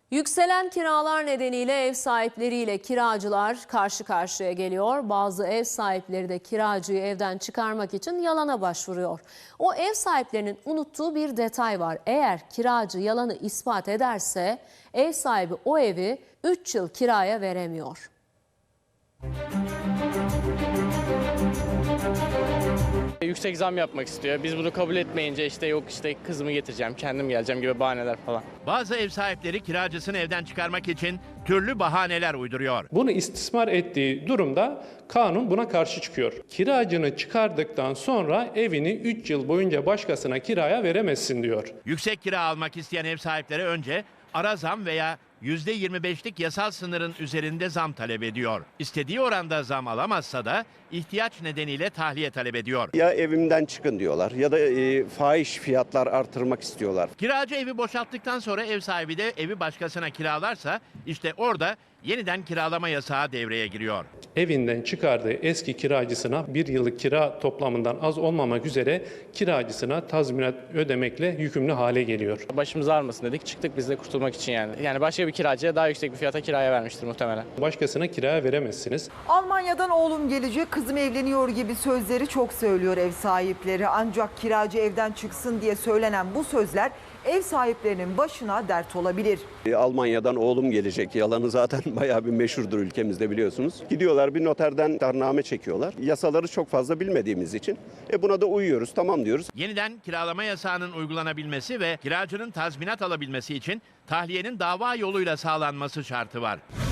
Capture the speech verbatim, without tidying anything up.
Yükselen kiralar nedeniyle ev sahipleriyle kiracılar karşı karşıya geliyor. Bazı ev sahipleri de kiracıyı evden çıkarmak için yalana başvuruyor. O ev sahiplerinin unuttuğu bir detay var. Eğer kiracı yalanı ispat ederse ev sahibi o evi üç yıl kiraya veremiyor. Yüksek zam yapmak istiyor. Biz bunu kabul etmeyince işte yok işte kızımı getireceğim, kendim geleceğim gibi bahaneler falan. Bazı ev sahipleri kiracısını evden çıkarmak için türlü bahaneler uyduruyor. Bunu istismar ettiği durumda kanun buna karşı çıkıyor. Kiracını çıkardıktan sonra evini üç yıl boyunca başkasına kiraya veremezsin diyor. Yüksek kira almak isteyen ev sahipleri önce ara zam veya yüzde yirmi beşlik yasal sınırın üzerinde zam talep ediyor. İstediği oranda zam alamazsa da ihtiyaç nedeniyle tahliye talep ediyor. Ya evimden çıkın diyorlar ya da e, fahiş fiyatlar artırmak istiyorlar. Kiracı evi boşalttıktan sonra ev sahibi de evi başkasına kiralarsa işte orada yeniden kiralama yasağı devreye giriyor. Evinden çıkardığı eski kiracısına bir yıllık kira toplamından az olmamak üzere kiracısına tazminat ödemekle yükümlü hale geliyor. Başımız ağrımasın dedik, çıktık biz de kurtulmak için yani. Yani başka bir kiracıya daha yüksek bir fiyata kiraya vermiştir muhtemelen. Başkasına kiraya veremezsiniz. Almanya'dan oğlum gelecek, kızım evleniyor gibi sözleri çok söylüyor ev sahipleri. Ancak kiracı evden çıksın diye söylenen bu sözler ev sahiplerinin başına dert olabilir. E, Almanya'dan oğlum gelecek yalanı zaten bayağı bir meşhurdur ülkemizde biliyorsunuz. Gidiyorlar bir noterden iddianame çekiyorlar. Yasaları çok fazla bilmediğimiz için e, buna da uyuyoruz, tamam diyoruz. Yeniden kiralama yasağının uygulanabilmesi ve kiracının tazminat alabilmesi için tahliyenin dava yoluyla sağlanması şartı var.